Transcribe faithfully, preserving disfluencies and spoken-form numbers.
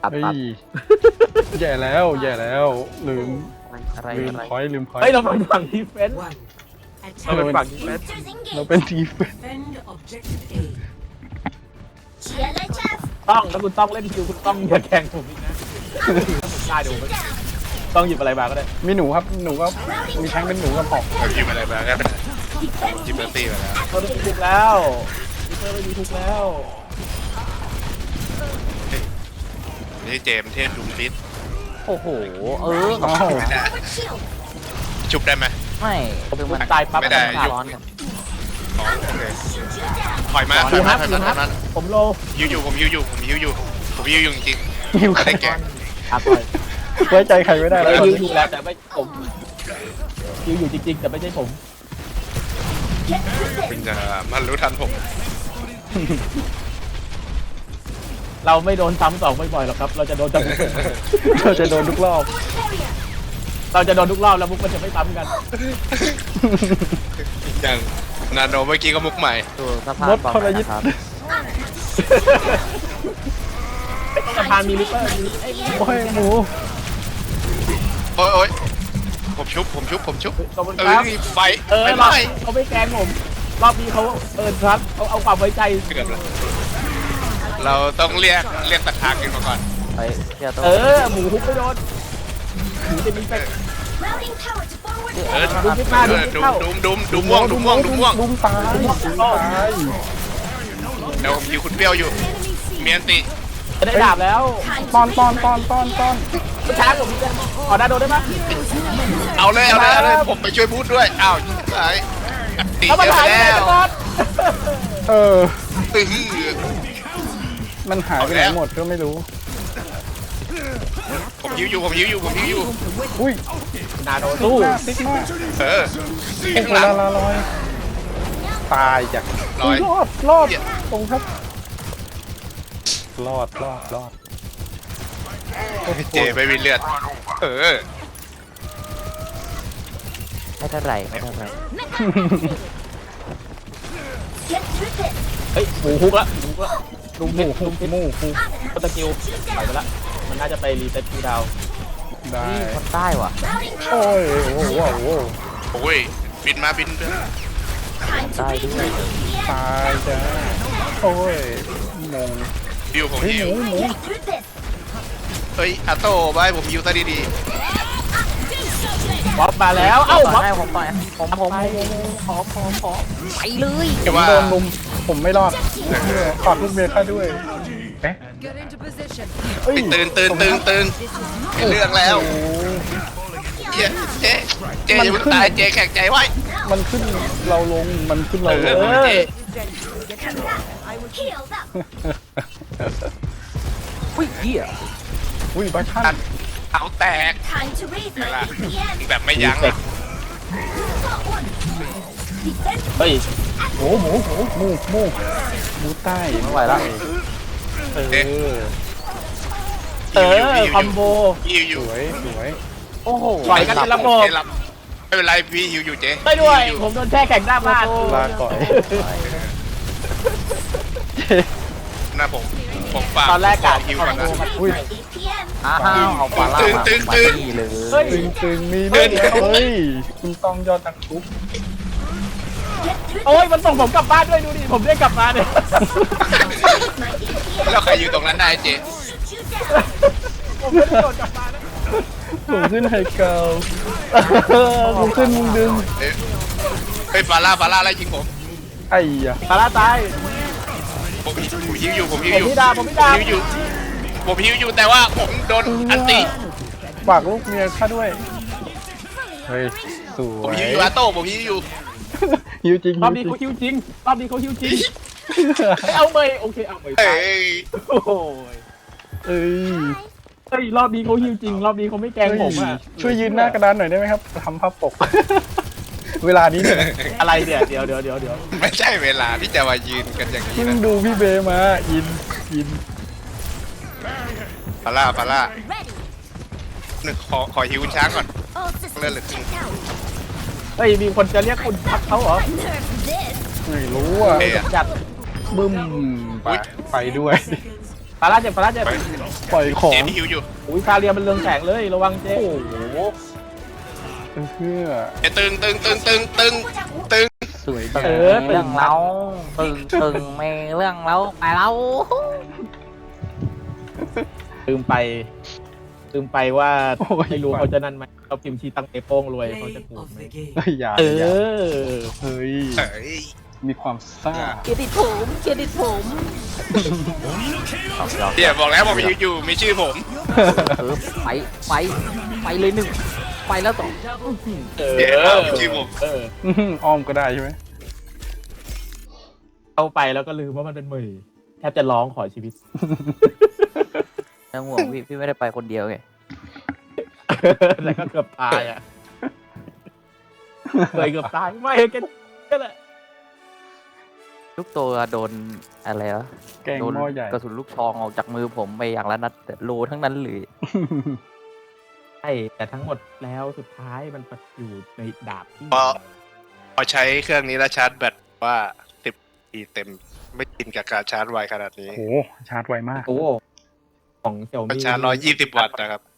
ตัดเฮ้ตัดยแย่แล้วแย่แล้วลืมอะไรลืมอะไรพอยต์ลืมพอยเฮ้ยต์เราเป็นฝั่งดีเฟนส์เราเป็นฝั่งดีเฟนส์เราเป็นทีม Defend objective A. ต้องแล้วคุณต้องเล่นคิวคุณต้องอย่าแข่งผมอีกนะถ้าผมได้เดี๋ยวผมต้องหยิบอะไรมาก็ได้มีหนูครับหนูก็มีแทงเป็นหนูกับหอกเราหยิบอะไรมาก็เป็นหยิบเบอร์ตี้มาแล้วเราไม่มีทุกแล้วดิเฟอร์ไม่มีทุกแล้วนี่เจมส์เทพดุมฟิตโอ้โหเอออ้าวไม่ได้ชุบได้ไหมไม่คือมันตายปั๊บไม่ได้มันร้อนกันอ๋อโอเคถอยมาถดูอยคมารับถอยดูมาถคอรัยบมาผมโลยิวอยู่ผมยิวอยู่ผมยิวอยู่ผมยิวอยู่จริงหิวๆไม่ใครได้แก่อาต่อยไว้ใจใครไม่ได้เราแล้วยิวอยู่แล้วแต่ไม่ผมยิวอยู่จริงๆแต่ไม่ใช่ผมคุณจะมันรู้ทันผมเราไม่โดนซ้ำสองบ่อยๆหรอกครับ เราจะโดนจำเราจะโดนทุกรอบเราจะโดนทุกรอบแล้วมุกมันจะไม่ซ้ำกันอย่างนาโนเมื่อกี้ก็มุกใหม่ดูสภาพมดบอลทรยิตนะครับสะพานมีลิปเปอร์มีไอ้โอ้ยหมูโอ้ยโอ้ยผมชุบผมชุบผมชุบขอบคุณเอคอรับไฟเออไฟรไหอบม้เขาไม่แกล้งผม รอบนี้เขาเออครับเอาเอาความไว้ใจเกือบแล้วเราต้องเรียกเรียกตะคางกันมาก่อนไปเชียร์ตัวเออ หมูฮุบไม่โดน หมูจะมีเป็ดเออดูคิดมาดูคิดดุมเข้าดุมดุมดุมม่วงดุมม่วงดุมม่วงดุมตายดุมตายเดี๋ยวผมยิวคุณเปรี้ยวอยู่เมียนติจะได้ดาบแล้วตอนตอนตอนตอนตอนผู้ช้าผมจะขอหน้าโดนได้ไหมเอาเลยเอาเลยเอาเลยผมไปช่วยพูดด้วยอ้าวยิงสายอัดตีเอาเยมาอะถ่ายแล้ได้วก่อนเออตื้อมันหายไปไหนหมดก็ไม่รู้ผมยิวอยู่ผมยิวอยู่ผมยิวอยู่อุ้ยนาโดสู้สู้ติ๊กมากเออโอ้ข้างโหหลังลาลาลอยตายจากลอยรอดรอดตรงครับ รอดรอดรอดเจไม่มีเลือดเออไม่เท่าไหร่ไม่เท่าไหร่เฮ้ย หมูฮุบละหมูฮุบละดูหมูคุมหมูคุมก็ตะกิวไปไปละ มันน่าจะไปรีเซ็ตคิวดาวได้นี่คนใต้ว่ะโอ้ยโอ้โหโอ้โหโอ้ยบินมาบินด้วยคนใต้ด้วยตายจ้าโอ้ยงงยิวผมเฮ้ยยิหวมูหมูเฮ้ยอาโต้ไปผมยิวซะดีบ๊อบมาแล้ว เอ้าต่บ๊ออบให้ผมต่อยผมผมขอขอขอไปเลยๆผแต่มว่าโดนลุมผมไม่รอดขอดลูกเมียข้าด้วยเอ๊ะ Get into position. เอ้ยตื่นตื่นตื่นตื่นเห็นเรื่องแล้วโอ้เจ๊เจ๊เจ๊อย่าเพิ่งตายเจ๊แข็งใจไว้มันขึ้นเราลงมันขึ้นเราลเอองเอ้ยอุ้ยเหี้ยอุ้ยบ้าท่านเอาแตกแบบไม่ยั้งอะเฮ้ยหมูหมูหมูหมูหมูหมูใต้ไม่ไหวแล้วเออเออ คอมโบยิวอสยู่วยสวยโอ้โหปล่อยกันเป็นระบบเจ๊รับไม่เป็นไรพี่ยิวอยู่เจ๊ไม่ด้วยยิผมโดนแช่แข็งหน้าบ้านลาก่อยหน้าผมผมฝากตอนแรกกะยิวคอก่อนมโบนะมันอุ้ยอ้าวเอาปลาล่ามาปาร์ตี้เลยเฮ้ยตึงตึงมีเรื่องแล้วเฮ้ยคุณต้องยอดนักทุบโอ้ย มันส่งผมกลับบ้านด้วยดูดิ ผมได้กลับมาเนี่ยแล้วใครอยู่ตรงนั้นได้เจ๊ผมไม่ได้โดดกลับมานะผมขึ้นไฮเกาผมขึ้นมึงดึงเอ้ยเฮ้ยฟาร่าฟาร่าไล่ยิงผมไอ้ยะปาราตายผมผมยิวอยู่ผมยิวผมอยู่พี่ดาผมพี่ดายิวอยู่ผมยิวอยู่แต่ว่าผมโดนอันติฝากลูกเมียข้าด้วยเฮ้ยสผมวยยิวอยู่อาโต้ผมยิวอยู่ฮิวจริงรอบนี้เขาฮิวจริง รอบนี้เขาฮิวจริงไม่เอาเมยโอเค เอาเมยเอ้ตายยโอ้โหเอ้ยเฮ้ย รอบนี้เขาฮิวจริง รอบนี้เขาไม่แกล้งผมอ่ะช่วยยืนหน้ากระดานหน่อยได้ไหมครับทำภาพปก เวลานี้เนี่ยอะไรเนี่ย เดี๋ยวเดี๋ยวเดี๋ยวเดี๋ยวไม่ใช่เวลาที่จะมายืนกันอย่างนี้เพิ่งนะดูพี่เบมาอินอินฟาร่าฟาร่าหนึ่งขอขอฮิวช้างก่อนเลื่อนเหลือครึ่งเฮ้ย มีคนจะเรียกคุณพักเขาเหรอไม่รู้อ่ะเอ้ยอะจัดบึ้มไปไปด้วยฟาร่าเจ็บฟาร่าเจ็บปล่อยของเจมส์ฮิวอยู่อุ้ยซาเรียมันเรืองแสงเลยระวังเจ๊โอ้โหเพื่อเอ้ยตึงตึงตึงตึงตึงตึงสวยตึงาง มเรื่องเล้าตึงตึงไม่เรื่องเล้าไปเล้าลืมไปลืมไปว่าโอ้ยไม่รู้เขาจะนั่นไหมเขาพิมพ์ชีตั้งเอโป้งรวยเขาจะถูกไหมเฮ้ยอย่าเออย่าอเฮ้ยเอ้ยมีความซ่าเครดิตผมเครดิตผมเดี๋ยวบอกแล้วบอกมีอยู่มีชื่อผมเออไปไปไปเลยหนึ่งไปแล้วสองเออเดี๋ยวมีชื่อผมเอออื้อหืออ้อมก็ได้ใช่ไหมเข้าไปแล้วก็ลืมว่ามันเป็นมือแทบจะร้องขอชีวิตไม่ต้องห่วงพี่พี่ไม่ได้ไปคนเดียวไงแล้วก็เกือบตายอ่ะเคยเกือบตายไม่แกก็แหละลูกตัวโดนอะไรวะแกงโดนหม้อใหญ่กระสุนลูกซองออกจากมือผมไปอย่างละนัดแต่โลทั้งนั้นเลยใช่แต่ทั้งหมดแล้วสุดท้ายมันอยู่ในดาบที่พอพอใช้เครื่องนี้แล้วชาร์จแบตว่าสิบทีเต็มไม่กินกับการชาร์จไวขนาดนี้โอ้โหชาร์จไวมากโอ้ของเสี่ยวมันมี่ชาร์จร้อยยี่สิบวัตต์นะครับ